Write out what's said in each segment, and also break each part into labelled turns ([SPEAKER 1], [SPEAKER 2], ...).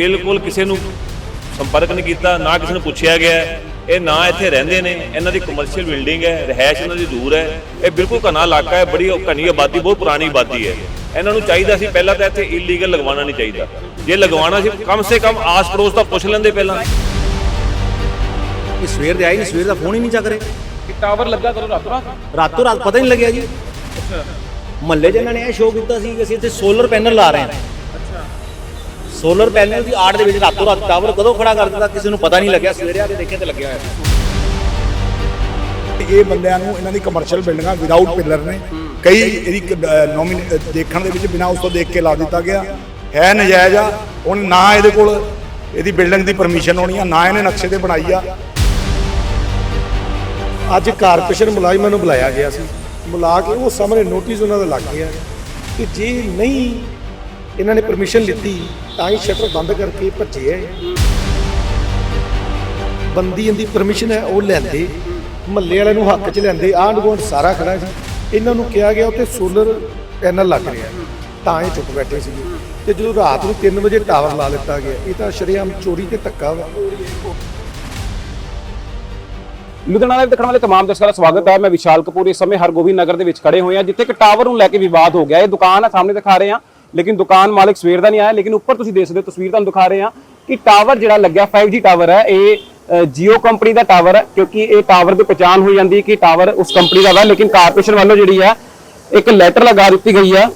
[SPEAKER 1] बिल्कुल किसी ਨੂੰ संपर्क नहीं किया, ना किसी ने पूछा गया। ये ना इत्थे रहिंदे ने, इन्हां दी कमर्शियल बिल्डिंग है, रिहायश इन्हां दी दूर है। ये बिल्कुल घना इलाका है, बड़ी घनी आबादी, बहुत पुरानी आबादी है। इन्हां नूं चाहीदा सी पहलां तां इत्थे इलीगल लगवाना नहीं चाहिदा। जे लगवाना सी कम से कम आस पड़ोस तां पुछ लैंदे पहलां।
[SPEAKER 2] ये सवेर दे आए नहीं, सवेर दा फोन ही नहीं चक रहे।
[SPEAKER 3] टावर लगा करो
[SPEAKER 2] रातों रात पता ही नहीं लग्या जी। महल्ले च इन्होंने यह शो किया कि ਅਸੀਂ ਇੱਥੇ ਸੋਲਰ ਪੈਨਲ ਲਾ ਰਹੇ ਹਾਂ। ਸੋਲਰ ਪੈਨਲ ਦੀ ਆੜ ਦੇ ਵਿੱਚ ਰਾਤੋਂ ਰਾਤ ਟਾਵਰ ਕਦੋਂ ਖੜਾ ਕਰ ਦਿੱਤਾ ਕਿਸੇ ਨੂੰ ਪਤਾ ਨਹੀਂ ਲੱਗਿਆ। ਸਵੇਰੇ ਆ ਕੇ ਦੇਖਿਆ ਤੇ ਲੱਗਿਆ ਹੋਇਆ।
[SPEAKER 4] ਇਹ ਬੰਦਿਆਂ ਨੂੰ ਇਹਨਾਂ ਦੀ ਕਮਰਸ਼ੀਅਲ ਬਿਲਡਿੰਗਾਂ ਵਿਦਆਊਟ ਪਿਲਰ ਨੇ, ਕਈ ਇਹਦੀ ਦੇਖਣ ਦੇ ਵਿੱਚ ਬਿਨਾਂ ਉਸ ਤੋਂ ਦੇਖ ਕੇ ਲਾ ਦਿੱਤਾ ਗਿਆ ਹੈ, ਨਜਾਇਜ਼ ਆ। ਹੁਣ ਨਾ ਇਹਦੇ ਕੋਲ ਇਹਦੀ ਬਿਲਡਿੰਗ ਦੀ ਪਰਮਿਸ਼ਨ ਹੋਣੀ ਆ, ਨਾ ਇਹਨੇ ਨਕਸ਼ੇ ਤੇ ਬਣਾਈ ਆ।
[SPEAKER 5] ਅੱਜ ਕਾਰਪੋਰੇਸ਼ਨ ਮੁਲਾਜ਼ਮਾਂ ਨੂੰ ਬੁਲਾਇਆ ਗਿਆ ਸੀ, ਬੁਲਾ ਕੇ ਉਹ ਸਾਹਮਣੇ ਨੋਟਿਸ ਉਹਨਾਂ ਦਾ ਲੱਗ ਗਿਆ ਕਿ ਜੇ ਨਹੀਂ ਇਹਨਾਂ ਨੇ ਪਰਮਿਸ਼ਨ ਲਿੱਤੀ ਤਾਂ ਹੀ ਸ਼ਟਰ ਬੰਦ ਕਰਕੇ ਭੱਜੇ ਹੈ। ਬੰਦੀ ਦੀ ਪਰਮਿਸ਼ਨ ਹੈ ਉਹ ਲੈਂਦੇ, ਮਹੱਲੇ ਵਾਲਿਆਂ ਨੂੰ ਹੱਕ 'ਚ ਲੈਂਦੇ, ਆਂਢ ਗੁਆਂਢ ਸਾਰਾ ਖੜਾ ਸੀ। ਇਹਨਾਂ ਨੂੰ ਕਿਹਾ ਗਿਆ ਉੱਥੇ ਸੋਲਰ ਪੈਨਲ ਲੱਗ ਰਿਹਾ ਤਾਂ ਇਹ ਚੁੱਪ ਬੈਠੇ ਸੀਗੇ। ਤੇ ਜਦੋਂ ਰਾਤ ਨੂੰ 3 ਵਜੇ ਟਾਵਰ ਲਾ ਦਿੱਤਾ ਗਿਆ, ਇਹ ਤਾਂ ਸ਼ਰੇਆਮ ਚੋਰੀ ਤੇ ਧੱਕਾ ਵਾ।
[SPEAKER 3] ਲੁਧਿਆਣਾ ਲਾਈਵ ਦੇਖਣ ਵਾਲੇ तमाम ਦਰਸ਼ਕਾਂ ਦਾ ਸਵਾਗਤ ਹੈ। ਮੈਂ ਵਿਸ਼ਾਲ ਕਪੂਰ ਇਸ ਸਮੇਂ ਹਰਗੋਬਿੰਦ ਨਗਰ ਦੇ ਵਿੱਚ ਖੜੇ ਹੋਏ ਹਾਂ, ਜਿੱਥੇ ਇੱਕ ਟਾਵਰ ਨੂੰ ਲੈ ਕੇ ਵਿਵਾਦ ਹੋ ਗਿਆ। ਇਹ ਦੁਕਾਨ ਹੈ, ਸਾਹਮਣੇ ਦਿਖਾ ਰਹੇ ਹਾਂ, ਲੇਕਿਨ ਦੁਕਾਨ ਮਾਲਕ ਸਵੇਰ ਦਾ ਨਹੀਂ ਆਇਆ। ਲੇਕਿਨ ਉੱਪਰ ਤੁਸੀਂ ਦੇਖ ਸਕਦੇ ਹੋ, ਤਸਵੀਰ ਤੁਹਾਨੂੰ ਦਿਖਾ ਰਹੇ ਹਾਂ ਕਿ ਟਾਵਰ ਜਿਹੜਾ ਲੱਗਿਆ 5G ਟਾਵਰ ਹੈ। ਇਹ ਜੀਓ ਕੰਪਨੀ ਦਾ ਟਾਵਰ ਹੈ, ਕਿਉਂਕਿ ਇਹ ਟਾਵਰ ਦੀ ਪਛਾਣ ਹੋਈ ਜਾਂਦੀ ਹੈ ਕਿ ਟਾਵਰ ਉਸ ਕੰਪਨੀ ਦਾ ਵਾ। ਲੇਕਿਨ ਕਾਰਪੋਰੇਸ਼ਨ ਵੱਲੋਂ ਜਿਹੜੀ ਹੈ ਇੱਕ ਲੈਟਰ ਲਗਾ ਦਿੱਤੀ ਗਈ ਹੈ।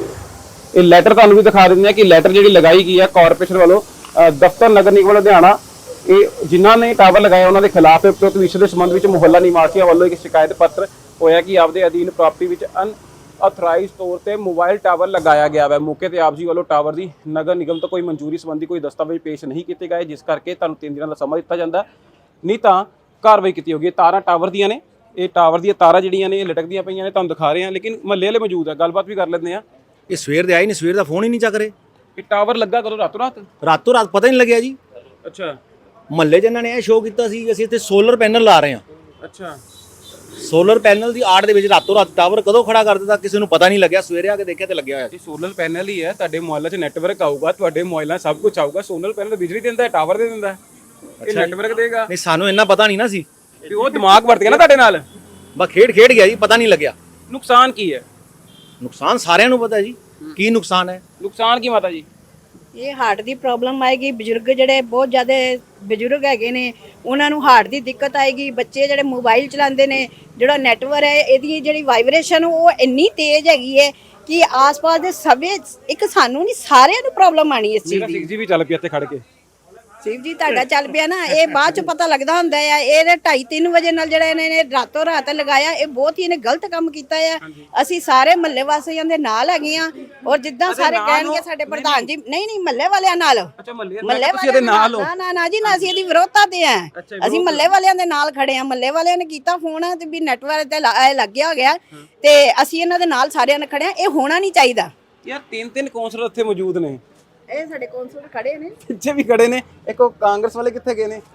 [SPEAKER 3] ਇਹ ਲੈਟਰ ਤੁਹਾਨੂੰ ਵੀ ਦਿਖਾ ਦਿੰਦੇ ਹਾਂ ਕਿ ਲੈਟਰ ਜਿਹੜੀ ਲਗਾਈ ਗਈ ਹੈ ਕਾਰਪੋਰੇਸ਼ਨ ਵੱਲੋਂ ਦਫ਼ਤਰ ਨਗਰ ਨਿਗਮ ਲੁਧਿਆਣਾ, ਇਹ ਜਿਨ੍ਹਾਂ ਨੇ ਟਾਵਰ ਲਗਾਇਆ ਉਹਨਾਂ ਦੇ ਖਿਲਾਫ ਉਪਰੋਕਤ ਵਿਸ਼ੇ ਦੇ ਸੰਬੰਧ ਵਿੱਚ ਮੁਹੱਲਾ ਨਿਵਾਸੀਆਂ ਵੱਲੋਂ ਇੱਕ ਸ਼ਿਕਾਇਤ ਪੱਤਰ ਹੋਇਆ ਕਿ ਆਪਦੇ ਅਧੀਨ ਪ੍ਰਾਪਰਟੀ ਵਿੱਚ ਅਨਆਥੋਰਾਈਜ਼ਡ ਤੌਰ ਤੇ ਮੋਬਾਈਲ ਟਾਵਰ ਲਗਾਇਆ ਗਿਆ ਹੈ। ਮੌਕੇ ਤੇ ਆਪ ਜੀ ਵੱਲੋਂ ਟਾਵਰ ਦੀ ਨਗਰ ਨਿਗਮ ਤੋਂ ਕੋਈ ਮਨਜ਼ੂਰੀ ਸੰਬੰਧੀ ਕੋਈ ਦਸਤਾਵੇਜ਼ ਪੇਸ਼ ਨਹੀਂ ਕੀਤੇ ਗਏ, ਜਿਸ ਕਰਕੇ ਤੁਹਾਨੂੰ 3 ਦਿਨਾਂ ਦਾ ਸਮਾਂ ਦਿੱਤਾ ਜਾਂਦਾ, ਨਹੀਂ ਤਾਂ ਕਾਰਵਾਈ ਕੀਤੀ ਹੋਗੀ। ਤਾਰਾਂ ਟਾਵਰ ਦੀਆਂ ਨੇ, ਇਹ ਟਾਵਰ ਦੀਆਂ ਤਾਰਾਂ ਜਿਹੜੀਆਂ ਨੇ ਇਹ ਲਟਕਦੀਆਂ ਪਈਆਂ ਨੇ, ਤੁਹਾਨੂੰ ਦਿਖਾ ਰਹੇ ਹਾਂ। ਲੇਕਿਨ ਮਹੱਲੇ ਵਾਲੇ ਮੌਜੂਦ ਹੈ, ਗੱਲਬਾਤ ਵੀ ਕਰ ਲੈਂਦੇ ਆ।
[SPEAKER 2] ਇਹ ਸਵੇਰ ਦੇ ਆਏ ਨਹੀਂ, ਸਵੇਰ ਦਾ ਫੋਨ ਹੀ ਨਹੀਂ ਚੱਕ ਰਹੇ।
[SPEAKER 3] ਇਹ ਟਾਵਰ ਲੱਗਾ ਕਦੋਂ
[SPEAKER 2] ਰਾਤੋਂ ਰਾਤ ਪਤਾ ਹੀ ਨਹੀਂ ਲੱਗਿਆ ਜੀ।
[SPEAKER 3] ਅੱਛਾ,
[SPEAKER 2] ਮਹੱਲੇ 'ਚ ਇਹਨਾਂ ਨੇ ਇਹ ਸ਼ੋ ਕੀਤਾ ਸੀ ਕਿ ਅਸੀਂ ਇੱਥੇ ਸੋਲਰ ਪੈਨਲ ਲਾ ਰਹੇ ਹਾਂ।
[SPEAKER 3] ਅੱਛਾ,
[SPEAKER 2] ਸੋਲਰ ਪੈਨਲ ਦੀ ਆੜ ਦੇ ਵਿੱਚ ਰਾਤੋਂ ਰਾਤ ਟਾਵਰ ਕਦੋਂ ਖੜਾ ਕਰ ਦਿੱਤਾ ਕਿਸੇ ਨੂੰ ਪਤਾ ਨਹੀਂ ਲੱਗਿਆ। ਸਵੇਰੇ ਆ ਕੇ ਦੇਖਿਆ ਤੇ ਲੱਗਿਆ ਹੋਇਆ।
[SPEAKER 3] ਇਹ ਸੋਲਰ ਪੈਨਲ ਹੀ ਹੈ, ਤੁਹਾਡੇ ਮੋਬਾਈਲਾਂ 'ਚ ਨੈਟਵਰਕ ਆਊਗਾ, ਤੁਹਾਡੇ ਮੋਬਾਈਲਾਂ ਸਭ ਕੁਝ ਆਊਗਾ। ਸੋਲਰ ਪੈਨਲ ਬਿਜਲੀ ਦਿੰਦਾ ਹੈ, ਟਾਵਰ ਦੇ ਦਿੰਦਾ ਹੈ, ਇਹ ਨੈਟਵਰਕ ਦੇਗਾ।
[SPEAKER 2] ਨਹੀਂ, ਸਾਨੂੰ ਇੰਨਾ ਪਤਾ ਨਹੀਂ ਨਾ ਸੀ।
[SPEAKER 3] ਤੇ ਉਹ ਦਿਮਾਗ ਵਰਤ ਗਿਆ ਨਾ ਤੁਹਾਡੇ ਨਾਲ,
[SPEAKER 2] ਬਸ ਖੇਡ ਗਿਆ ਜੀ, ਪਤਾ ਨਹੀਂ ਲੱਗਿਆ।
[SPEAKER 3] ਨੁਕਸਾਨ ਕੀ ਹੈ?
[SPEAKER 2] ਨੁਕਸਾਨ ਸਾਰਿਆਂ ਨੂੰ ਪਤਾ ਜੀ ਕੀ ਨੁਕਸਾਨ ਹੈ।
[SPEAKER 3] ਨੁਕਸਾਨ ਕੀ ਮਾਤਾ ਜੀ?
[SPEAKER 6] ਇਹ ਹਾਰਟ ਦੀ ਪ੍ਰੋਬਲਮ ਆਏਗੀ। ਬਜ਼ੁਰਗ ਜਿਹੜੇ ਬਹੁਤ ਜ਼ਿਆਦਾ ਬਜ਼ੁਰਗ ਹੈਗੇ ਨੇ ਉਹਨਾਂ ਨੂੰ ਹਾਰਟ ਦੀ ਦਿੱਕਤ ਆਏਗੀ। ਬੱਚੇ ਜਿਹੜੇ ਮੋਬਾਈਲ ਚਲਾਉਂਦੇ ਨੇ, ਜਿਹੜਾ ਨੈਟਵਰਕ ਹੈ ਇਹਦੀ ਜਿਹੜੀ ਵਾਈਬ੍ਰੇਸ਼ਨ ਉਹ ਇੰਨੀ ਤੇਜ਼ ਹੈਗੀ ਹੈ ਕਿ ਆਸ-ਪਾਸ ਦੇ ਸਭੇ ਇੱਕ ਸਾਨੂੰ ਨਹੀਂ ਸਾਰਿਆਂ ਨੂੰ ਪ੍ਰੋਬਲਮ ਆਣੀ ਇਸ ਚੀਜ਼ ਦੀ।
[SPEAKER 3] 6G ਵੀ ਚੱਲ ਪਿਆ ਇੱਥੇ ਖੜ ਕੇ।
[SPEAKER 6] ਸ਼ਿਵ ਜੀ ਤੁਹਾਡਾ ਚੱਲ ਪਿਆ ਨਾ, ਇਹ ਬਾਅਦ ਚ ਪਤਾ ਲੱਗਦਾ ਹੁੰਦਾ ਆ। ਇਹ 2:30-3 ਵਜੇ ਨਾਲ ਜਿਹੜਾ ਇਹਨਾਂ ਨੇ ਰਾਤੋਂ ਰਾਤ ਲਗਾਇਆ, ਇਹ ਬਹੁਤ ਹੀ ਇਹਨੇ ਗਲਤ ਕੰਮ ਕੀਤਾ ਆ। ਅਸੀਂ ਸਾਰੇ ਮਹੱਲੇ ਵਾਸੀਆਂ ਦੇ ਨਾਲ ਹੈਗੇ ਆ, ਔਰ ਜਿੱਦਾਂ ਸਾਰੇ ਕਹਿਣਗੇ ਸਾਡੇ ਪ੍ਰਧਾਨ ਜੀ, ਨਹੀਂ ਮਹੱਲੇ ਵਾਲਿਆਂ ਨਾਲ।
[SPEAKER 3] ਅੱਛਾ, ਮਹੱਲੇ
[SPEAKER 6] ਵਾਲਿਆਂ ਦੇ ਨਾਲ ਹੋ? ਨਾ ਜੀ, ਨਾ ਅਸੀਂ ਇਹਦੀ ਵਿਰੋਧਤਾ ਤੇ ਆ। ਅਸੀਂ ਮਹੱਲੇ ਵਾਲਿਆਂ ਦੇ ਨਾਲ ਖੜੇ ਆ। ਮਹੱਲੇ ਵਾਲਿਆਂ ਨੇ ਕੀਤਾ ਫੋਨ ਤੇ ਵੀ ਨੈਟਵਰਕ ਤੇ ਲੱਗਿਆ ਹੋ ਗਿਆ, ਤੇ ਅਸੀਂ ਇਹਨਾਂ ਦੇ ਨਾਲ ਸਾਰਿਆਂ ਨੇ ਖੜੇ ਆ। ਇਹ ਹੋਣਾ ਨਹੀਂ ਚਾਹੀਦਾ
[SPEAKER 3] ਯਾਰ। 3 ਕੌਂਸਲਰ ਇੱਥੇ ਮੌਜੂਦ ਨੇ,
[SPEAKER 6] ਇਹ ਸਾਡੇ ਕੌਂਸਲਰ ਖੜੇ ਨੇ,
[SPEAKER 3] ਪਿੱਛੇ ਵੀ ਖੜੇ ਨੇ। ਇੱਕ ਉਹ ਕਾਂਗਰਸ ਵਾਲੇ ਕਿੱਥੇ ਗਏ ਨੇ?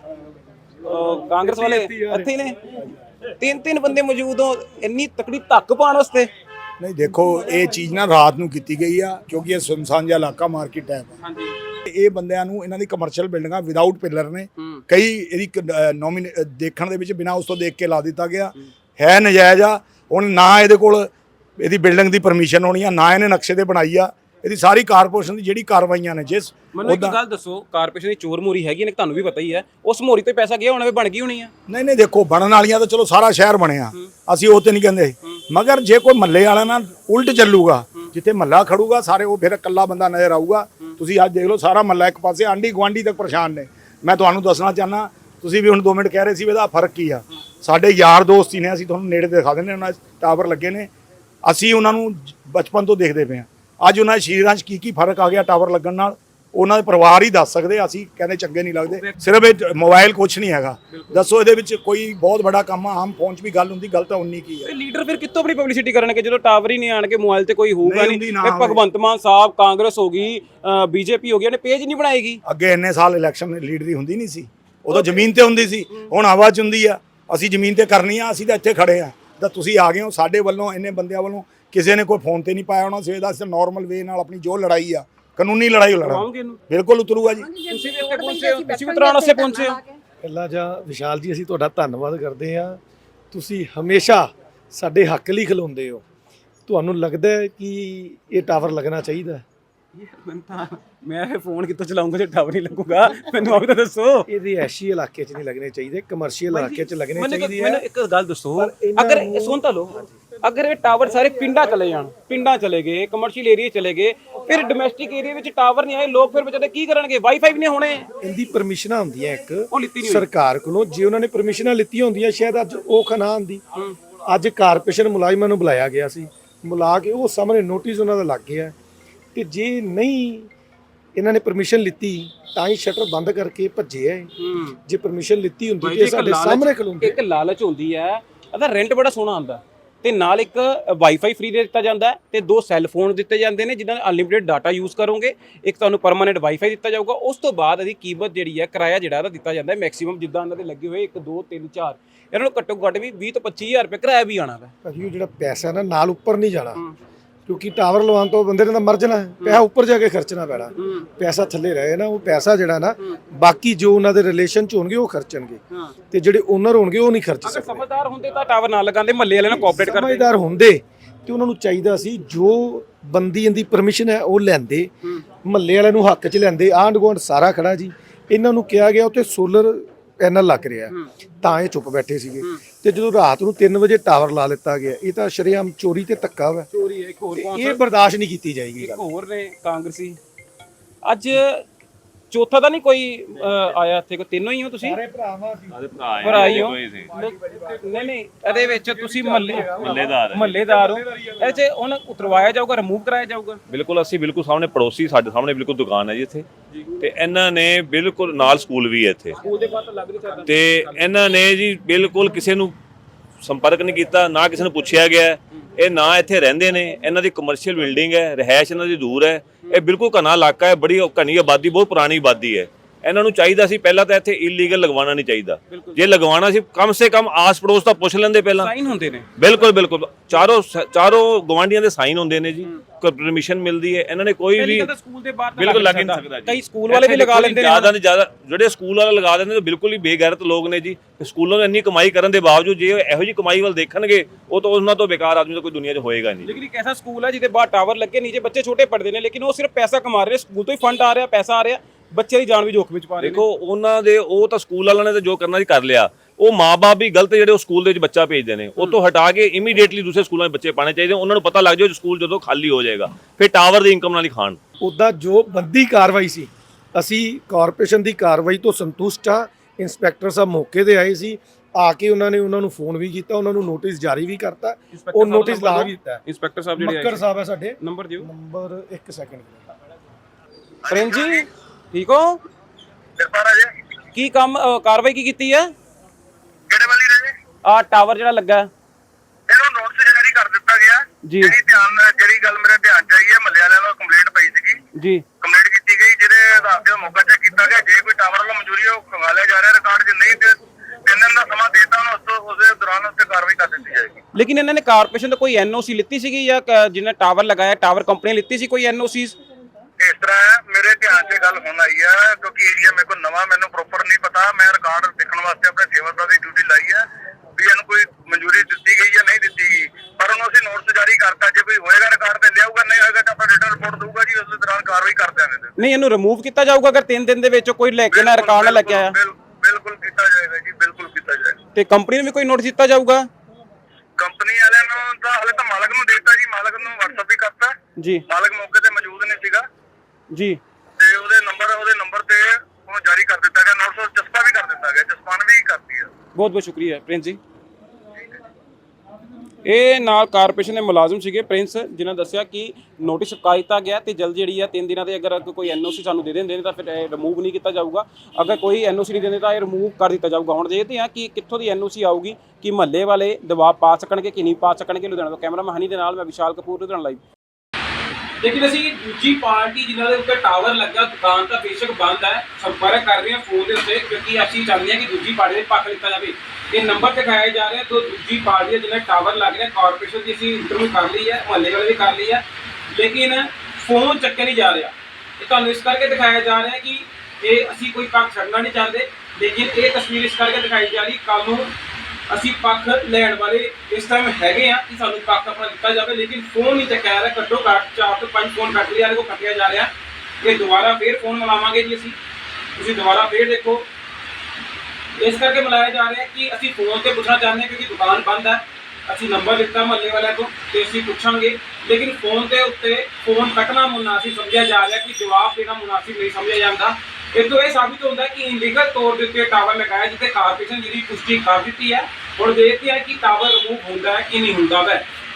[SPEAKER 3] ਕਾਂਗਰਸ ਵਾਲੇ ਇੱਥੇ ਹੀ ਨੇ। 3 ਬੰਦੇ ਮੌਜੂਦ ਹੋ ਇੰਨੀ ਤਕੜੀ ਧੱਕ ਪਾਉਣ ਵਾਸਤੇ।
[SPEAKER 4] ਨਹੀਂ ਦੇਖੋ, ਇਹ ਚੀਜ਼ ਨਾ ਰਾਤ ਨੂੰ ਕੀਤੀ ਗਈ ਆ, ਕਿਉਂਕਿ ਇਹ ਸੁਨਸਾਨ ਜਿਹਾ ਇਲਾਕਾ ਮਾਰਕੀਟ ਹੈ।
[SPEAKER 3] ਹਾਂਜੀ,
[SPEAKER 4] ਇਹ ਬੰਦਿਆਂ ਨੂੰ ਇਹਨਾਂ ਦੀ ਕਮਰਸ਼ੀਅਲ ਬਿਲਡਿੰਗਾਂ ਵਿਦਆਊਟ ਪਿਲਰ ਨੇ, ਕਈ ਇਹਦੀ ਦੇਖਣ ਦੇ ਵਿੱਚ ਬਿਨਾਂ ਉਸ ਤੋਂ ਦੇਖ ਕੇ ਲਾ ਦਿੱਤਾ ਗਿਆ ਹੈ, ਨਜਾਇਜ਼ ਆ। ਹੁਣ ਨਾ ਇਹਦੇ ਕੋਲ ਇਹਦੀ ਬਿਲਡਿੰਗ ਦੀ ਪਰਮਿਸ਼ਨ ਹੋਣੀ ਆ, ਨਾ ਇਹਨੇ ਨਕਸ਼ੇ ਤੇ ਬਣਾਈ ਆ। ਇਹਦੀ ਸਾਰੀ ਕਾਰਪੋਰੇਸ਼ਨ ਦੀ ਜਿਹੜੀ ਕਾਰਵਾਈਆਂ ਨੇ, ਜਿਸ
[SPEAKER 3] ਮੈਨੂੰ ਇੱਕ ਗੱਲ ਦੱਸੋ, ਕਾਰਪੋਰੇਸ਼ਨ ਦੀ ਚੋਰ ਮੋਰੀ ਹੈਗੀ ਨੇ, ਤੁਹਾਨੂੰ ਵੀ ਪਤਾ ਹੀ ਹੈ। ਉਸ ਮੋਰੀ ਤੇ ਪੈਸਾ ਗਿਆ ਹੋਣਾ, ਬਣ ਗਈ ਹੋਣੀ ਆ।
[SPEAKER 4] ਨਹੀਂ ਦੇਖੋ, ਬਣਨ ਵਾਲੀਆਂ ਤਾਂ ਚਲੋ ਸਾਰਾ ਸ਼ਹਿਰ ਬਣਿਆ, ਅਸੀਂ ਉਹ ਤੇ ਨਹੀਂ ਕਹਿੰਦੇ। ਮਗਰ ਜੇ ਕੋਈ ਮਹੱਲੇ ਵਾਲਾ ਨਾਲ ਉਲਟ ਚੱਲੂਗਾ, ਜਿੱਥੇ ਮਹੱਲਾ ਖੜੂਗਾ ਸਾਰੇ, ਉਹ ਫਿਰ ਇਕੱਲਾ ਬੰਦਾ ਨਜ਼ਰ ਆਊਗਾ। ਤੁਸੀਂ ਅੱਜ ਦੇਖ ਲਓ, ਸਾਰਾ ਮਹੱਲਾ ਇੱਕ ਪਾਸੇ, ਆਂਢੀ ਗੁਆਂਢੀ ਤੱਕ ਪਰੇਸ਼ਾਨ ਨੇ। ਮੈਂ ਤੁਹਾਨੂੰ ਦੱਸਣਾ ਚਾਹੁੰਦਾ, ਤੁਸੀਂ ਵੀ ਹੁਣ 2 ਮਿੰਟ ਕਹਿ ਰਹੇ ਸੀ ਇਹਦਾ ਫਰਕ ਕੀ ਆ। ਸਾਡੇ ਯਾਰ ਦੋਸਤ ਹੀ ਨੇ, ਅਸੀਂ ਤੁਹਾਨੂੰ ਨੇੜੇ ਦਿਖਾ ਦਿੰਦੇ। ਉਹਨਾਂ ਟਾਵਰ ਲੱਗੇ ਨੇ, ਅਸੀਂ ਉਹਨਾਂ ਨੂੰ ਬਚਪਨ ਤੋਂ ਦੇਖਦੇ ਪਏ ਹਾਂ। ਅੱਜ ਉਹਨਾਂ ਦੇ ਸਰੀਰਾਂ 'ਚ ਕੀ ਫਰਕ ਆ ਗਿਆ ਟਾਵਰ ਲੱਗਣ ਨਾਲ, ਉਹਨਾਂ ਦੇ ਪਰਿਵਾਰ ਹੀ ਦੱਸ ਸਕਦੇ। ਅਸੀਂ ਕਹਿੰਦੇ ਚੰਗੇ ਨਹੀਂ ਲੱਗਦੇ। ਸਿਰਫ ਇਹ ਮੋਬਾਈਲ ਕੁਛ ਨਹੀਂ ਹੈਗਾ। ਦੱਸੋ ਇਹਦੇ ਵਿੱਚ ਕੋਈ ਬਹੁਤ ਵੱਡਾ ਕੰਮ ਆ? ਆਮ ਫੋਨ 'ਚ ਵੀ ਗੱਲ ਹੁੰਦੀ, ਗੱਲ ਤਾਂ ਉਨੀ ਕੀ ਹੈ।
[SPEAKER 3] ਲੀਡਰ ਫਿਰ ਕਿੱਥੋਂ ਆਪਣੀ ਪਬਲਿਸਿਟੀ ਕਰਨਗੇ ਜਦੋਂ ਟਾਵਰ ਹੀ ਨਹੀਂ ਆਣਗੇ, ਮੋਬਾਈਲ ਤੇ ਕੋਈ ਹੋਊਗਾ ਨਹੀਂ। ਇਹ ਭਗਵੰਤ ਮਾਨ ਸਾਹਿਬ, ਕਾਂਗਰਸ ਹੋ ਗਈ, ਬੀਜੇਪੀ ਹੋ ਗਈ, ਇਹਨੇ ਪੇਜ ਨਹੀਂ ਬਣਾਏਗੀ।
[SPEAKER 4] ਅੱਗੇ ਇੰਨੇ ਸਾਲ ਇਲੈਕਸ਼ਨ ਲੀਡਰੀ ਹੁੰਦੀ ਨਹੀਂ ਸੀ, ਉਦੋਂ ਜ਼ਮੀਨ ਤੇ ਹੁੰਦੀ ਸੀ, ਹੁਣ ਹਵਾ 'ਚ ਹੁੰਦੀ ਆ। ਅਸੀਂ ਜ਼ਮੀਨ ਤੇ ਕਰਨੀ ਆ, ਅਸੀਂ ਤਾਂ ਇੱਥੇ ਖੜੇ ਆ। ਤਾਂ ਤੁਸੀਂ ਆ ਗਏ ਹੋ ਸਾਡੇ ਵੱਲੋਂ, ਇੰਨੇ ਬੰਦਿਆਂ ਵੱਲੋਂ, ਕਿਸੇ ਨੇ ਕੋਈ ਫੋਨ ਤੇ ਨਹੀਂ ਪਾਇਆ ਹੋਣਾ। ਸਵੇਰ ਦਾ ਅਸੀਂ ਨਾਰਮਲ ਵੇ ਨਾਲ ਆਪਣੀ ਜੋ ਲੜਾਈ ਆ ਕਾਨੂੰਨੀ ਲੜਾਈ ਲੜਾਂਗੇ,
[SPEAKER 3] ਕਰਵਾਓਗੇ ਇਹਨੂੰ?
[SPEAKER 4] ਬਿਲਕੁਲ ਉਤਰੂਗਾ ਜੀ।
[SPEAKER 3] ਤੁਸੀਂ ਵੀ ਇੱਥੇ ਪਹੁੰਚੇ ਹੋ, ਤੁਸੀਂ ਵੀ ਉਤਰਾਉਣ ਵਾਸਤੇ ਪਹੁੰਚੇ ਹੋ।
[SPEAKER 5] ਪਹਿਲਾਂ ਜਾਂ ਵਿਸ਼ਾਲ ਜੀ ਅਸੀਂ ਤੁਹਾਡਾ ਧੰਨਵਾਦ ਕਰਦੇ ਹਾਂ। ਤੁਸੀਂ ਹਮੇਸ਼ਾ ਸਾਡੇ ਹੱਕ ਲਈ ਖਲੋਂਦੇ ਹੋ। ਤੁਹਾਨੂੰ ਲੱਗਦਾ ਹੈ ਕਿ ਇਹ ਟਾਵਰ ਲੱਗਣਾ ਚਾਹੀਦਾ ਹੈ?
[SPEAKER 3] ਮੈਂ ਫਿਰ ਫੋਨ ਕਿੱਥੋਂ ਚਲਾਉਂਗਾ ਜੇ ਟਾਵਰ ਨਹੀਂ ਲੱਗੂਗਾ? ਮੈਨੂੰ ਆਪ ਤਾਂ ਦੱਸੋ।
[SPEAKER 5] ਇਹ ਰਿਹਾਇਸ਼ੀ ਇਲਾਕੇ 'ਚ ਨਹੀਂ ਲੱਗਣੇ ਚਾਹੀਦੇ, ਕਮਰਸ਼ੀਅਲ ਇਲਾਕੇ 'ਚ ਲੱਗਣੇ ਚਾਹੀਦੇ
[SPEAKER 3] ਮੈਨੂੰ
[SPEAKER 5] ਆ।
[SPEAKER 3] ਇੱਕ ਗੱਲ ਦੱਸੋ, ਅਗਰ ਸੁਣ ਤਾਂ ਲਓ, ਅਗਰ ਇਹ ਟਾਵਰ ਸਾਰੇ ਪਿੰਡਾਂ ਚਲੇ ਜਾਣ, ਪਿੰਡਾਂ ਚਲੇ ਗਏ, ਕਮਰਸ਼ੀਅਲ ਏਰੀਆ ਚਲੇ ਗਏ, ਫਿਰ ਡੋਮੈਸਟਿਕ ਏਰੀਆ ਵਿੱਚ ਟਾਵਰ ਨਹੀਂ ਆਏ, ਲੋਕ ਫਿਰ ਵਿਚਾਰੇ ਕੀ ਕਰਨਗੇ? ਵਾਈਫਾਈ ਵੀ ਨਹੀਂ ਹੋਣੇ।
[SPEAKER 5] ਇਹਦੀ ਪਰਮਿਸ਼ਨਾਂ ਹੁੰਦੀਆਂ ਇੱਕ
[SPEAKER 3] ਉਹ ਲਿੱਤੀ ਨਹੀਂ ਹੋਈ।
[SPEAKER 5] ਸਰਕਾਰ ਕੋਲੋਂ, ਜੇ ਉਹਨਾਂ ਨੇ ਪਰਮਿਸ਼ਨਾਂ ਲਿੱਤੀਆਂ ਹੁੰਦੀਆਂ ਸ਼ਾਇਦ ਅੱਜ ਉਹ ਖਨਾ ਹੁੰਦੀ। ਅੱਜ ਕਾਰਪੋਰੇਸ਼ਨ ਮੁਲਾਜ਼ਮਾਂ ਨੂੰ ਬੁਲਾਇਆ ਗਿਆ ਸੀ, ਬੁਲਾ ਕੇ ਉਹ ਸਾਹਮਣੇ ਨੋਟਿਸ ਉਹਨਾਂ ਦਾ ਲੱਗ ਗਿਆ ਕਿ ਜੇ ਨਹੀਂ ਇਹਨਾਂ ਨੇ ਪਰਮਿਸ਼ਨ ਲਿੱਤੀ ਤਾਂ ਹੀ ਸ਼ਟਰ ਬੰਦ ਕਰਕੇ ਭੱਜੇ ਆ। ਜੇ ਪਰਮਿਸ਼ਨ ਲਿੱਤੀ ਹੁੰਦੀ ਤੇ ਸਾਡੇ ਸਾਹਮਣੇ ਖਲੋਂਦੇ।
[SPEAKER 3] ਇੱਕ ਲਾਲਚ ਹੁੰਦੀ ਹੈ, ਇਹਦਾ ਰੈਂਟ ਬੜਾ ਸੋਹਣਾ ਆਉਂਦਾ, ਤੇ ਨਾਲ ਇੱਕ ਵਾਈਫਾਈ ਫ੍ਰੀ ਦੇ ਦਿੱਤਾ ਜਾਂਦਾ ਹੈ, ਤੇ 2 ਸੈੱਲ ਫੋਨ ਦਿੱਤੇ ਜਾਂਦੇ ਨੇ ਜਿਨ੍ਹਾਂ ਨਾਲ ਅਨਲਿਮਿਟਿਡ ਡਾਟਾ ਯੂਜ਼ ਕਰੋਗੇ। ਇੱਕ ਤੁਹਾਨੂੰ ਪਰਮਾਨੈਂਟ ਵਾਈਫਾਈ ਦਿੱਤਾ ਜਾਊਗਾ। ਉਸ ਤੋਂ ਬਾਅਦ ਇਹਦੀ ਕੀਮਤ ਜਿਹੜੀ ਹੈ, ਕਿਰਾਇਆ ਜਿਹੜਾ ਇਹਦਾ ਦਿੱਤਾ ਜਾਂਦਾ ਹੈ ਮੈਕਸਿਮਮ, ਜਿੱਦਾਂ ਇਹਨਾਂ ਦੇ ਲੱਗੇ ਹੋਏ 1 2 3 4, ਇਹਨਾਂ ਨੂੰ ਘੱਟੋ ਘੱਟ ਵੀ 20 ਤੋਂ 25000 ਰੁਪਏ ਕਿਰਾਇਆ ਵੀ ਆਣਾ ਹੈ।
[SPEAKER 5] ਭਾਜੀ ਉਹ ਜਿਹੜਾ ਪੈਸਾ ਨਾ ਨਾਲ ਉੱਪਰ ਨਹੀਂ ਜਾਣਾ, ਕਿਉਂਕਿ ਟਾਵਰ ਲਵਾਉਣ ਤੋਂ ਬੰਦੇ ਨੇ ਤਾਂ ਮਰ ਜਾਣਾ, ਪੈਸਾ ਉੱਪਰ ਜਾ ਕੇ ਖਰਚਣਾ ਪੈਣਾ। ਪੈਸਾ ਥੱਲੇ ਰਹੇ ਨਾ, ਉਹ ਪੈਸਾ ਜਿਹੜਾ ਨਾ ਬਾਕੀ ਜੋ ਉਹਨਾਂ ਦੇ ਰਿਲੇਸ਼ਨ ਚ ਹੋਣਗੇ ਉਹ ਖਰਚਣਗੇ, ਤੇ ਜਿਹੜੇ ਓਨਰ ਹੋਣਗੇ ਉਹ ਨਹੀਂ ਖਰਚ ਸਕਦੇ।
[SPEAKER 3] ਸਮਝਦਾਰ ਹੁੰਦੇ ਤਾਂ ਟਾਵਰ ਨਾ ਲਗਾਉਂਦੇ, ਮਹੱਲੇ ਵਾਲਿਆਂ ਨਾਲ ਕੋਆਪਰੇਟ ਕਰਦੇ।
[SPEAKER 5] ਸਮਝਦਾਰ ਹੁੰਦੇ ਤੇ ਉਹਨਾਂ ਨੂੰ ਚਾਹੀਦਾ ਸੀ ਜੋ ਬੰਦੀ ਦੀ ਪਰਮਿਸ਼ਨ ਹੈ ਉਹ ਲੈਂਦੇ, ਮਹੱਲੇ ਵਾਲਿਆਂ ਨੂੰ ਹੱਕ 'ਚ ਲੈਂਦੇ। ਆਂਢ ਗੁਆਂਢ ਸਾਰਾ ਖੜਾ ਜੀ, ਇਹਨਾਂ ਨੂੰ ਕਿਹਾ ਗਿਆ ਉੱਥੇ ਸੋਲਰ ਪੈਨਲ ਲੱਗ ਰਿਹਾ, ਤਾਂ ਇਹ ਚੁੱਪ ਬੈਠੇ ਸੀਗੇ। ਤੇ ਜਦੋਂ ਰਾਤ ਨੂੰ 3 ਵਜੇ ਟਾਵਰ ਲਾ ਲਿੱਤਾ ਗਿਆ, ਇਹ ਤਾਂ ਸ਼ਰੇਆਮ ਚੋਰੀ ਤੇ ਧੱਕਾ ਵਾ।
[SPEAKER 3] ਚੋਰੀ ਹੈ। ਇੱਕ ਹੋਰ
[SPEAKER 5] ਇਹ ਬਰਦਾਸ਼ਤ ਨਹੀਂ ਕੀਤੀ ਜਾਏਗੀ।
[SPEAKER 3] ਇੱਕ ਹੋਰ ਨੇ ਕਾਂਗਰਸੀ, ਅੱਜ ਚੌਥਾ ਤਾਂ ਨਹੀਂ ਕੋਈ ਆਇਆ ਇੱਥੇ? ਕੋਈ ਤਿੰਨੋਂ ਹੀ ਹੋ ਤੁਸੀਂ? ਭਰਾ ਹੀ ਹੋ? ਨਹੀਂ ਨਹੀਂ, ਇਹਦੇ ਵਿੱਚ ਤੁਸੀਂ ਮਹੱਲੇਦਾਰ ਹੋ। ਇਹ 'ਚ ਹੁਣ ਉਤਰਵਾਇਆ ਜਾਊਗਾ, ਰਿਮੂਵ ਕਰਾਇਆ ਜਾਊਗਾ?
[SPEAKER 1] ਬਿਲਕੁਲ, ਅਸੀਂ ਬਿਲਕੁਲ ਸਾਹਮਣੇ ਪੜੋਸੀ, ਸਾਡੇ ਸਾਹਮਣੇ ਬਿਲਕੁਲ ਦੁਕਾਨ ਹੈ ਜੀ ਇੱਥੇ, ਤੇ ਇਹਨਾਂ ਨੇ ਬਿਲਕੁਲ ਨਾਲ ਸਕੂਲ ਵੀ ਹੈ ਇੱਥੇ,
[SPEAKER 3] ਸਕੂਲ ਦੇ ਬਾਅਦ ਤਾਂ ਲੱਗ ਨਹੀਂ ਸਕਦਾ।
[SPEAKER 1] ਤੇ ਇਹਨਾਂ ਨੇ ਜੀ ਬਿਲਕੁਲ ਕਿਸੇ ਨੂੰ ਸੰਪਰਕ ਨਹੀਂ ਕੀਤਾ, ਨਾ ਕਿਸੇ ਨੂੰ ਪੁੱਛਿਆ ਗਿਆ। ਇਹ ਨਾ ਇੱਥੇ ਰਹਿੰਦੇ ਨੇ, ਇਹਨਾਂ ਦੀ ਕਮਰਸ਼ੀਅਲ ਬਿਲਡਿੰਗ ਹੈ, ਰਿਹਾਇਸ਼ ਇਹਨਾਂ ਦੀ ਦੂਰ ਹੈ। ਇਹ ਬਿਲਕੁਲ ਘਣਾ ਇਲਾਕਾ ਹੈ, ਬੜੀ ਘਣੀ ਆਬਾਦੀ, ਬਹੁਤ ਪੁਰਾਣੀ ਆਬਾਦੀ ਹੈ। ਇਹਨਾਂ ਨੂੰ ਚਾਹੀਦਾ ਸੀ ਪਹਿਲਾਂ ਤਾਂ ਇੱਥੇ ਇਲੀਗਲ ਲਗਵਾਉਣਾ ਨਹੀਂ ਚਾਹੀਦਾ। ਜੇ ਲਗਵਾਉਣਾ ਸੀ ਕਮ ਸੇ ਕਮ ਆਸ ਪੜੋਸ ਤਾਂ ਪੁੱਛ ਲੈਂਦੇ ਪਹਿਲਾਂ।
[SPEAKER 3] ਸਾਈਨ ਹੁੰਦੇ ਨੇ
[SPEAKER 1] ਬਿਲਕੁਲ ਬਿਲਕੁਲ, ਚਾਰੋਂ ਗਵਾਂਢੀਆਂ ਦੇ ਸਾਈਨ ਹੁੰਦੇ ਨੇ ਜੀ, ਕੋਈ ਪਰਮਿਸ਼ਨ ਮਿਲਦੀ ਹੈ। ਇਹਨਾਂ ਨੇ ਕੋਈ ਵੀ
[SPEAKER 3] ਸਕੂਲ ਦੇ ਬਾਹਰ
[SPEAKER 1] ਬਿਲਕੁਲ ਲੱਗ ਨਹੀਂ ਸਕਦਾ ਜੀ।
[SPEAKER 3] ਕਈ ਸਕੂਲ ਵਾਲੇ ਵੀ ਲਗਾ ਲੈਂਦੇ ਨੇ,
[SPEAKER 1] ਜ਼ਿਆਦਾ ਨਹੀਂ ਜ਼ਿਆਦਾ ਜਿਹੜੇ ਸਕੂਲ ਵਾਲੇ ਲਗਾ ਦਿੰਦੇ ਨੇ ਬਿਲਕੁਲ ਹੀ ਬੇਗੈਰਤ ਲੋਕ ਨੇ ਜੀ। ਸਕੂਲਾਂ ਨੂੰ ਇੰਨੀ ਕਮਾਈ ਕਰਨ ਦੇ ਬਾਵਜੂਦ ਜੇ ਇਹੋ ਜਿਹੀ ਕਮਾਈ ਵੱਲ ਦੇਖਣਗੇ, ਉਹ ਤਾਂ ਉਹਨਾਂ ਤੋਂ ਬੇਕਾਰ ਆਦਮੀ ਤਾਂ ਕੋਈ ਦੁਨੀਆ 'ਚ ਹੋਏਗਾ ਨਹੀਂ।
[SPEAKER 3] ਲੇਕਿਨ ਇੱਕ ਐਸਾ ਸਕੂਲ ਹੈ ਜਿਹਦੇ ਬਾਹਰ ਟਾਵਰ ਲੱਗੇ, ਨੀਚੇ ਬੱਚੇ ਛੋਟੇ ਪੜ੍ਹਦੇ ਨੇ, ਲੇਕਿਨ ਉਹ ਸਿਰਫ ਪੈਸਾ ਕਮਾ ਰਹੇ ਨੇ, ਸਕੂਲ ਤੋਂ ਹੀ ਫੰਡ ਆ ਰਿਹਾ, ਪੈਸਾ ਆ ਰਿਹਾ, ਬੱਚੇ ਦੀ ਜਾਨ ਵੀ ਜੋਖਮ ਵਿੱਚ ਪਾ ਰਹੇ ਨੇ।
[SPEAKER 1] ਦੇਖੋ ਉਹਨਾਂ ਦੇ, ਉਹ ਤਾਂ ਸਕੂਲ ਵਾਲਿਆਂ ਨੇ ਤਾਂ ਜੋ ਕਰਨਾ ਸੀ ਕਰ ਲਿਆ। ਉਹ ਮਾਪੇ ਵੀ ਗਲਤ ਜਿਹੜੇ ਉਹ ਸਕੂਲ ਦੇ ਵਿੱਚ ਬੱਚਾ ਭੇਜਦੇ ਨੇ, ਉਹ ਤੋਂ ਹਟਾ ਕੇ ਇਮੀਡੀਏਟਲੀ ਦੂਸਰੇ ਸਕੂਲਾਂ ਵਿੱਚ ਬੱਚੇ ਪਾਣੇ ਚਾਹੀਦੇ। ਉਹਨਾਂ ਨੂੰ ਪਤਾ ਲੱਗ ਜਾਓ ਸਕੂਲ ਜਦੋਂ ਖਾਲੀ ਹੋ ਜਾਏਗਾ, ਫਿਰ ਟਾਵਰ ਦੀ ਇਨਕਮ ਨਾਲ ਹੀ ਖਾਣ।
[SPEAKER 5] ਉੱਦਾਂ ਜੋ ਬੰਦੀ ਕਾਰਵਾਈ ਸੀ, ਅਸੀਂ ਕਾਰਪੋਰੇਸ਼ਨ ਦੀ ਕਾਰਵਾਈ ਤੋਂ ਸੰਤੁਸ਼ਟ ਆ। ਇੰਸਪੈਕਟਰ ਸਾਹਿਬ ਮੌਕੇ ਤੇ ਆਏ ਸੀ, ਆ ਕੇ ਉਹਨਾਂ ਨੂੰ ਫੋਨ ਵੀ ਕੀਤਾ, ਉਹਨਾਂ ਨੂੰ ਨੋਟਿਸ ਜਾਰੀ ਵੀ ਕਰਤਾ, ਉਹ ਨੋਟਿਸ ਲਾ ਵੀ ਦਿੱਤਾ।
[SPEAKER 3] ਇੰਸਪੈਕਟਰ ਸਾਹਿਬ ਜਿਹੜੇ
[SPEAKER 5] ਮੱਕਰ ਸਾਹਿਬ ਹੈ ਸਾਡੇ,
[SPEAKER 3] ਨੰਬਰ ਦਿਓ।
[SPEAKER 5] Number 1 second.
[SPEAKER 3] ਪ੍ਰੇਮ ਜੀ ਠੀਕ ਹੋ? ਕੀ ਕੰਮ ਕਾਰਵਾਈ ਕੀ ਕੀਤੀ ਹੈ?
[SPEAKER 7] ਕਿਹੜੇ ਵਾਲੀ ਰਹੇ
[SPEAKER 3] ਆ ਟਾਵਰ ਜਿਹੜਾ ਲੱਗਾ
[SPEAKER 7] ਇਹਨੂੰ ਨੋਟਿਸ ਜਾਰੀ ਕਰ ਦਿੱਤਾ ਗਿਆ
[SPEAKER 3] ਜੀ।
[SPEAKER 7] ਜਿਹੜੀ ਗੱਲ ਮੇਰੇ ਧਿਆਨ ਚ ਆਈ ਹੈ, ਮੱਲੇ ਵਾਲਿਆਂ ਨੂੰ ਕੰਪਲੇਂਟ ਪਈ ਸੀਗੀ
[SPEAKER 3] ਜੀ,
[SPEAKER 7] ਕੰਪਲੇਂਟ ਕੀਤੀ ਗਈ, ਜਿਹਦੇ ਆਧਾਰ ਤੇ ਮੌਕਾ ਚੈੱਕ ਕੀਤਾ ਗਿਆ। ਜੇ ਕੋਈ ਟਾਵਰ ਵੱਲੋਂ ਮਨਜ਼ੂਰੀ ਹੈ ਉਹ ਖੰਗਾ ਲਿਆ ਜਾ ਰਿਹਾ ਰਿਕਾਰਡ, ਜੇ ਨਹੀਂ ਤੇ 3 ਦਿਨ ਦਾ ਸਮਾਂ ਦੇਤਾ ਉਹਨੂੰ, ਉਸੇ ਦੌਰਾਨ ਉੱਤੇ ਕਾਰਵਾਈ ਕਰ ਦਿੱਤੀ ਜਾਏਗੀ।
[SPEAKER 3] ਲੇਕਿਨ ਇਹਨਾਂ ਨੇ ਕਾਰਪੋਰੇਸ਼ਨ ਤੋਂ ਕੋਈ ਐਨਓਸੀ ਲਿੱਤੀ ਸੀਗੀ ਜਾਂ ਜਿਹਨੇ ਟਾਵਰ ਲਗਾਇਆ ਟਾਵਰ ਕੰਪਨੀ ਲਿੱਤੀ ਸੀ ਕੋਈ ਐਨਓਸੀ?
[SPEAKER 7] ਇਸ ਤਰ੍ਹਾਂ ਹੈ, ਮੇਰੇ ਧਿਆਨ 'ਚ ਗੱਲ ਹੁਣ ਆਈ ਹੈ, ਕਿਉਂਕਿ ਏਰੀਆ ਮੇਰੇ ਕੋਲ ਨਵਾਂ, ਮੈਨੂੰ ਪ੍ਰੋਪਰ ਨਹੀਂ ਪਤਾ। ਮੈਂ ਰਿਕਾਰਡ ਦੇਖਣ ਵਾਸਤੇ ਆਪਣੇ ਸੇਵਾਦਾਰ ਦੀ ਡਿਊਟੀ ਲਾਈ ਹੈ ਵੀ ਇਹਨੂੰ ਕੋਈ ਮਨਜ਼ੂਰੀ ਦਿੱਤੀ ਗਈ ਜਾਂ ਨਹੀਂ ਦਿੱਤੀ ਗਈ, ਪਰ ਉਹਨੂੰ ਅਸੀਂ ਨੋਟਿਸ ਜਾਰੀ ਕਰਤਾ। ਜੇ ਕੋਈ ਹੋਏਗਾ ਰਿਕਾਰਡ ਤੇ ਲਿਆਊਗਾ, ਨਹੀਂ ਹੋਏਗਾ ਤਾਂ ਆਪਾਂ ਰਿਟਨ ਰਿਪੋਰਟ ਦਊਗਾ ਜੀ, ਉਸ ਦੌਰਾਨ ਕਾਰਵਾਈ ਕਰ ਦਿਆਂਗੇ।
[SPEAKER 3] ਨਹੀਂ, ਇਹਨੂੰ ਰਿਮੂਵ ਕੀਤਾ ਜਾਊਗਾ ਅਗਰ 3 ਦਿਨ ਦੇ ਵਿੱਚ ਕੋਈ ਲੈ ਕੇ ਨਾ ਰਿਕਾਰਡ ਨਾ ਲੈ ਕੇ ਆਇਆ?
[SPEAKER 7] ਬਿਲਕੁਲ ਕੀਤਾ ਜਾਏਗਾ ਜੀ, ਬਿਲਕੁਲ ਕੀਤਾ ਜਾਏਗਾ।
[SPEAKER 3] ਤੇ ਕੰਪਨੀ ਨੂੰ ਵੀ ਕੋਈ ਨੋਟਿਸ ਦਿੱਤਾ ਜਾਊਗਾ?
[SPEAKER 7] ਕੰਪਨੀ ਵਾਲਿਆਂ ਨੂੰ ਤਾਂ ਹਲੇ ਤਾਂ ਮਾਲਕ ਨੂੰ ਦਿੱਤਾ ਜੀ, ਮਾਲਕ ਨੂੰ WhatsApp ਵੀ ਕਰਤਾ
[SPEAKER 3] ਜੀ।
[SPEAKER 7] ਮਾਲਕ ਮੌਕੇ ਤੇ ਮੌਜੂਦ ਨਹੀਂ ਸੀਗਾ
[SPEAKER 3] ਜੀ,
[SPEAKER 7] ਤੇ ਉਹਦੇ ਨੰਬਰ ਤੇ ਉਹਨੂੰ ਜਾਰੀ ਕਰ ਦਿੱਤਾ ਗਿਆ, ਨੋਟਿਸ ਜਸਪਾ ਵੀ ਕਰ ਦਿੱਤਾ ਗਿਆ, ਜਸਪਾਨ ਵੀ ਕਰਤੀ ਹੈ।
[SPEAKER 3] ਬਹੁਤ ਬਹੁਤ ਸ਼ੁਕਰੀਆ ਪ੍ਰਿੰਸ ਜੀ। ਇਹ ਨਾਲ ਕਾਰਪੋਰੇਸ਼ਨ ਦੇ ਮੁਲਾਜ਼ਮ ਸੀਗੇ ਪ੍ਰਿੰਸ, ਜਿਨ੍ਹਾਂ ਦੱਸਿਆ ਕਿ ਨੋਟਿਸ ਚੁਕਾ ਦਿੱਤਾ ਗਿਆ ਤੇ ਜਲਦ ਜਿਹੜੀ ਆ 3 ਦਿਨਾਂ ਦੇ ਅਗਰ ਕੋਈ ਐਨਓਸੀ ਸਾਨੂੰ ਦੇ ਦਿੰਦੇ ਨੇ ਤਾਂ ਫਿਰ ਇਹ ਰਿਮੂਵ ਨਹੀਂ ਕੀਤਾ ਜਾਊਗਾ। ਅਗਰ ਕੋਈ ਐਨਓਸੀ ਨਹੀਂ ਦਿੰਦੇ ਤਾਂ ਇਹ ਰਿਮੂਵ ਕਰ ਦਿੱਤਾ ਜਾਊਗਾ। ਹੁਣ ਦੇਖਦੇ ਹਾਂ ਕਿ ਕਿੱਥੋਂ ਦੀ ਐਨਓਸੀ ਆਊਗੀ, ਕਿ ਮਹੱਲੇ ਵਾਲੇ ਦਬਾਅ ਪਾ ਸਕਣਗੇ ਕਿ ਨਹੀਂ ਪਾ ਸਕਣਗੇ। ਲੁਧਿਆਣਾ ਤੋਂ ਕੈਮਰਾਮੈਨ ਹਨੀ ਦੇ ਨਾਲ ਮੈਂ ਵਿਸ਼ਾਲ ਕਪੂਰ, ਲੁਧਿਆਣਾ ਲਾਈਵ। ਲੇਕਿਨ ਅਸੀਂ ਦੂਜੀ ਪਾਰਟੀ ਜਿਨ੍ਹਾਂ ਦੇ ਉੱਤੇ ਟਾਵਰ ਲੱਗਾ, ਦੁਕਾਨ ਤਾਂ ਬੇਸ਼ੱਕ ਬੰਦ ਹੈ, ਸੰਪਰਕ ਕਰ ਰਹੇ ਹਾਂ ਫੋਨ ਦੇ ਉੱਤੇ, ਕਿਉਂਕਿ ਅਸੀਂ ਚਾਹੁੰਦੇ ਹਾਂ ਕਿ ਦੂਜੀ ਪਾਰਟੀ ਦੇ ਪੱਖ ਲਿੱਤਾ ਜਾਵੇ। ਇਹ ਨੰਬਰ ਦਿਖਾਇਆ ਜਾ ਰਿਹਾ ਤੋਂ ਦੂਜੀ ਪਾਰਟੀ ਜਿਹਨਾਂ ਟਾਵਰ ਲੱਗ ਰਿਹਾ, ਕਾਰਪੋਰੇਸ਼ਨ ਦੀ ਅਸੀਂ ਇੰਟਰਵਿਊ ਕਰ ਲਈ ਹੈ, ਮੁਹੱਲੇ ਵਾਲੇ ਵੀ ਕਰ ਲਈ ਹੈ, ਲੇਕਿਨ ਫੋਨ ਚੱਕਿਆ ਨਹੀਂ ਜਾ ਰਿਹਾ। ਇਹ ਤੁਹਾਨੂੰ ਇਸ ਕਰਕੇ ਦਿਖਾਇਆ ਜਾ ਰਿਹਾ ਕਿ ਇਹ ਅਸੀਂ ਕੋਈ ਪੱਖ ਛੱਡਣਾ ਨਹੀਂ ਚਾਹੁੰਦੇ, ਲੇਕਿਨ ਇਹ ਤਸਵੀਰ ਇਸ ਕਰਕੇ ਦਿਖਾਈ ਜਾ ਰਹੀ ਕੱਲ੍ਹ ਨੂੰ ਅਸੀਂ ਪੱਖ ਲੈਣ ਵਾਲੇ ਇਸ ਟਾਈਮ ਹੈਗੇ ਆ ਕਿ ਸਾਨੂੰ ਪੱਖ ਆਪਣਾ ਦਿੱਤਾ ਜਾਵੇ, ਲੇਕਿਨ ਫੋਨ ਨਹੀਂ ਚੱਕਿਆ ਜਾ ਰਿਹਾ। ਘੱਟੋ ਘੱਟ 4 ਤੋਂ 5 ਫੋਨ ਕੱਟ ਲਿਆ, ਕੋ ਕੱਟਿਆ ਜਾ ਰਿਹਾ। ਇਹ ਦੁਬਾਰਾ ਫੇਰ ਫੋਨ ਮਿਲਾਵਾਂਗੇ ਜੀ ਅਸੀਂ, ਤੁਸੀਂ ਦੁਬਾਰਾ ਫੇਰ ਦੇਖੋ। ਇਸ ਕਰਕੇ ਮਿਲਾਇਆ ਜਾ ਰਿਹਾ ਕਿ ਅਸੀਂ ਫੋਨ ਤੇ ਪੁੱਛਣਾ ਚਾਹੁੰਦੇ ਹਾਂ ਕਿਉਂਕਿ ਦੁਕਾਨ ਬੰਦ ਹੈ। ਅਸੀਂ ਨੰਬਰ ਦਿੱਤਾ ਮਹੱਲੇ ਵਾਲਿਆਂ ਤੋਂ ਤੇ ਅਸੀਂ ਪੁੱਛਾਂਗੇ, ਲੇਕਿਨ ਫੋਨ ਦੇ ਉੱਤੇ ਫੋਨ ਕੱਟਣਾ ਮੁਨਾਸਿਬ ਸਮਝਿਆ ਜਾ ਰਿਹਾ ਕਿ ਜਵਾਬ ਦੇਣਾ ਮੁਨਾਸਿਬ ਨਹੀਂ ਸਮਝਿਆ ਜਾਂਦਾ। ਇਹ ਤੋਂ ਇਹ ਸਾਬਿਤ ਹੁੰਦਾ ਕਿ ਇਲੀਗਲ ਤੌਰ ਦੇ ਉੱਤੇ ਟਾਵਰ ਲਗਾਇਆ ਜਿੱਥੇ ਕਾਰਪੋਰੇਸ਼ਨ ਜਿਹੜੀ ਪੁਸ਼ਟੀ ਕਰ ਦਿੱਤੀ ਹੈ। ਹੁਣ ਦੇਖਦੇ ਹਾਂ ਕਿ ਟਾਵਰ ਰਿਮੂਵ ਹੁੰਦਾ ਹੈ ਕਿ ਨਹੀਂ ਹੁੰਦਾ ਵੈ।